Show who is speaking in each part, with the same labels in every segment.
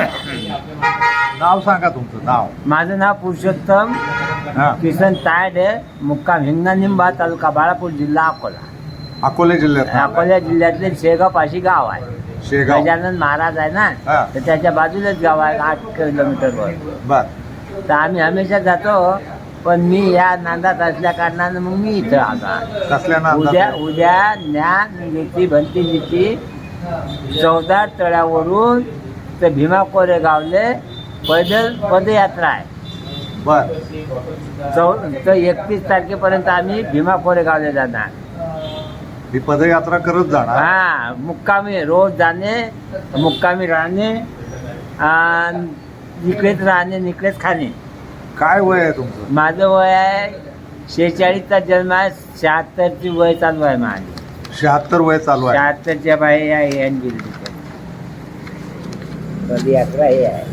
Speaker 1: नाव सांगा तुमचं नाव.
Speaker 2: माझं नाव पुरुषोत्तम किसन तायडे, मुक्काम हिंगणा तालुका बाळापूर, जिल्हा अकोला.
Speaker 1: अकोला जिल्ह्यात.
Speaker 2: अकोला जिल्ह्यातले शेगाव पाशी गाव आहे.
Speaker 1: शेगाव
Speaker 2: गजानन महाराज आहे ना, तर त्याच्या बाजूलाच गाव आहे 8 किलोमीटरवर.
Speaker 1: बर.
Speaker 2: तर आम्ही हमेशा जातो, पण मी या नांदात असल्या कारणानं मग मी इथं आला.
Speaker 1: कसल्या
Speaker 2: उद्या
Speaker 1: नांदात?
Speaker 2: उद्या ज्ञान नीती भंतीजीची 14 तळ्यावरून ते भीमा कोरेगावले पैदल पदयात्रा आहे.
Speaker 1: बर.
Speaker 2: तर 31 तारखेपर्यंत आम्ही भीमा कोरेगावले जाणार.
Speaker 1: ही पदयात्रा करत जाणार.
Speaker 2: हा, मुक्कामी रोज जाणे, मुक्कामी राहणे, इकडेच राहणे, इकडेच खाणे.
Speaker 1: काय वय आहे तुमचं?
Speaker 2: माझं वय आहे 46चा जन्म आहे, 76ची वय चालू आहे माझी.
Speaker 1: 76 वय चालू आहे.
Speaker 2: 76च्या बाहेर आहे पदयात्रा हे आहे.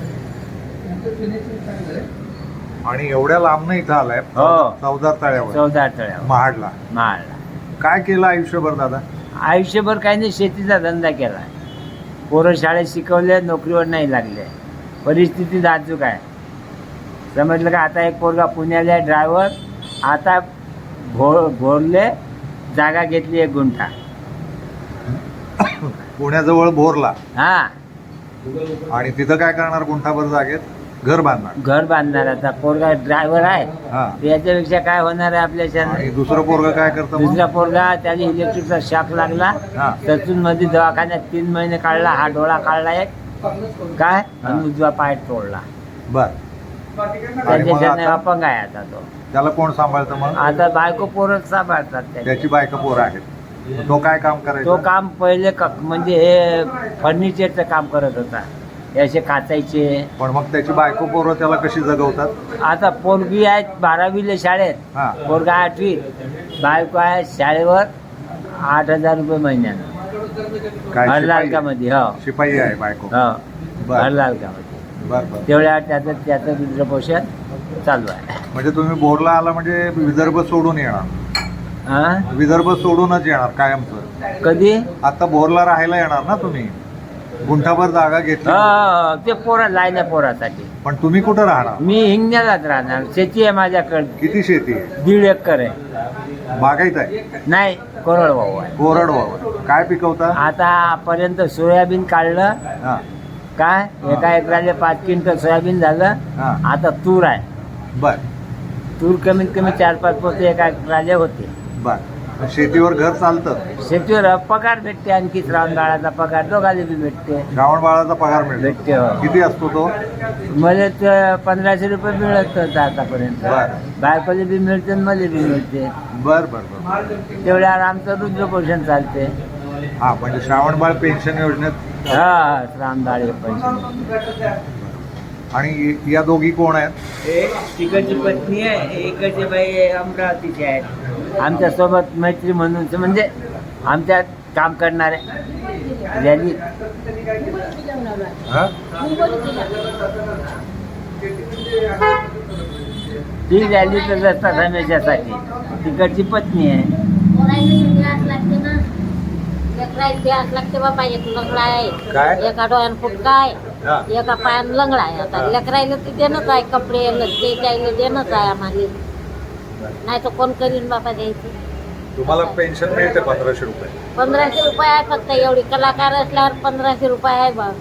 Speaker 1: आणि एवढ्या लांबनं इथं आलाय.
Speaker 2: हो.
Speaker 1: 14 तळ्यावर.
Speaker 2: 14 तळ्यावर
Speaker 1: महाडला.
Speaker 2: माळला.
Speaker 1: काय केलं आयुष्यभर दादा?
Speaker 2: आयुष्यभर काही नाही, शेतीचा धंदा केला. पोरं शाळेत शिकवले, नोकरीवर नाही लागले. परिस्थिती नाजूक आहे, समजलं का. आता एक पोरगा पुण्याला आहे ड्रायव्हर, आता भोरले जागा घेतली 1 गुंठा
Speaker 1: पुण्याजवळ भोरला.
Speaker 2: हा,
Speaker 1: आणि तिथं काय करणार? गुंठाभर जागेत घर बांधणार.
Speaker 2: घर बांधणार. आता पोरगा ड्रायव्हर आहे,
Speaker 1: हा.
Speaker 2: याच्यापेक्षा काय होणार आहे आपल्या.
Speaker 1: आणि दुसरं पोरग काय करतं मग?
Speaker 2: दुसरा पोरगा त्याला इलेक्ट्रिकचा शॉक लागला,
Speaker 1: हा.
Speaker 2: सचून मध्ये दवाखान्यात 3 महिने काढला. हा डोळा काढला एक काय, आणि उजवा पाय तोडला.
Speaker 1: बर.
Speaker 2: त्याच्याने अपंग आहे आता तो.
Speaker 1: त्याला कोण सांभाळतं मग?
Speaker 2: आता बायको पोरं सांभाळतात
Speaker 1: त्याची बायका पोरं आहेत. तो काय काम
Speaker 2: तो
Speaker 1: करायचा?
Speaker 2: काम पहिले म्हणजे हे फर्निचरचं काम करत होता, हे असे काचायचे.
Speaker 1: पण मग त्याची बायको पोरं त्याला कशी जगवतात?
Speaker 2: आता पोरगी आहे 12वीला शाळेत,
Speaker 1: हा.
Speaker 2: पोरगा 8वीत. बायको आहे शाळेवर 8,000 रुपये महिन्यानं.
Speaker 1: काय
Speaker 2: हरलालकामध्ये. हो
Speaker 1: शिपाई आहे बायको?
Speaker 2: हो,
Speaker 1: बर.
Speaker 2: हरलालकामध्ये.
Speaker 1: बर बर.
Speaker 2: तेवढ्या त्याचं विद्रपोषण चालू आहे.
Speaker 1: म्हणजे तुम्ही भोरला आला म्हणजे विदर्भ सोडून येणार?
Speaker 2: हा,
Speaker 1: विदर्भ सोडूनच येणार कायमचं?
Speaker 2: कधी?
Speaker 1: आता भोरला राहायला येणार ना तुम्ही? गुंठाभर जागा घेतली.
Speaker 2: हो, ते पोरा लायल्या पोरासाठी.
Speaker 1: पण तुम्ही कुठं राहणार?
Speaker 2: मी हिंगण्यालाच राहणार. शेती आहे माझ्याकडे
Speaker 1: किती शेती आहे?
Speaker 2: 1.5 एकर आहे.
Speaker 1: बागायत आहे?
Speaker 2: नाही, कोरडवाहू आहे.
Speaker 1: कोरडवाहू. काय पिकवता?
Speaker 2: आतापर्यंत सोयाबीन काढलं.
Speaker 1: हा.
Speaker 2: काय, एका एकराला 5 क्विंटल सोयाबीन झालं.
Speaker 1: हा.
Speaker 2: आता तूर आहे.
Speaker 1: बर
Speaker 2: तूर कमीत कमी 4-5 पोते एका एकराला होते.
Speaker 1: बर. शेतीवर घर चालतं?
Speaker 2: शेतीवर पगार भेटते, आणखी श्रावण बाळाचा पगार दोघाले बी भेटते.
Speaker 1: श्रावण बाळाचा पगार मिळतो?
Speaker 2: भेटते. हो.
Speaker 1: किती असतो तो?
Speaker 2: मला तर 1500 रुपये मिळत होतं आतापर्यंत.
Speaker 1: बर.
Speaker 2: बायकोले बी मिळते, मला बी मिळते.
Speaker 1: बर बर बर.
Speaker 2: तेवढ्यावर आमचं रुद्रपोषण चालते.
Speaker 1: हा, म्हणजे श्रावण बाळ पेन्शन योजनेत.
Speaker 2: हा, श्रावण पैसे.
Speaker 1: आणि या दोघी कोण आहेत?
Speaker 2: तिकडची पत्नी आहे, इकडची बाई अमरावतीची आहे. आमच्या सोबत मैत्री म्हणून, म्हणजे आमच्यात काम करणारे. रॅली
Speaker 1: हा?
Speaker 2: ती रॅलीच असतात हमेशासाठी. तिकडची पत्नी आहे.
Speaker 3: लागते बाबा. एक लंगडा आहे,
Speaker 1: काय?
Speaker 3: एका डोळ्यानं फुटका आहे,
Speaker 1: हा.
Speaker 3: एका पायानं लंगडा आहे. आता लेकरायला ते देणंच आहे, कपडे ते त्याला देणंच आहे आम्हाला. नाही तर कोण करीन बाबा द्यायचे.
Speaker 1: तुम्हाला पेन्शन मिळते 1500 रुपये?
Speaker 3: 1500 रुपये आहे फक्त. एवढी कलाकार असल्यावर 1500 रुपये आहे बा.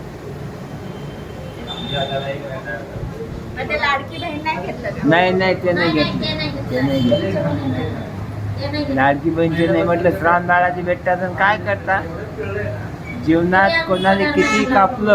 Speaker 4: लाडकी बहीण नाही घेतलं का?
Speaker 2: नाही नाही, ते नाही घेतलं. ते नाही घेतलं. लाडकी बहिणीचे नाही म्हटलं, श्रावण बाळाची भेटतात. काय करता? जीवनात कोणाला किती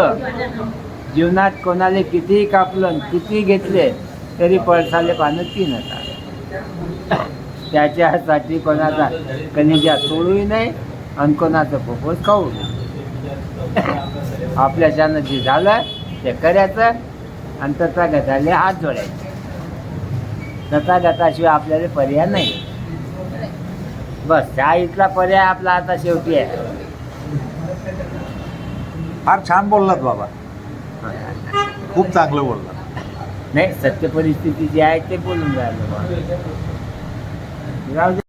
Speaker 2: कापलं, किती घेतले तरी पळसाले पानं 3 होतात. त्याच्यासाठी कोणाचा कलिजा तोडूही नाही आणि कोणाचं फोफोस खाऊ नये. आपल्याच्यानं जे झालं ते करायचं आणि तथागताले हात जोडायचे. तथागताशिवाय आपल्याला पर्याय नाही. बस, त्या इथला पर्याय आपला आता शेवटी आहे.
Speaker 1: फार छान बोललात बाबा, खूप चांगलं बोललात.
Speaker 2: नाही, सत्य परिस्थिती जी आहे ते बोलून राहिलो.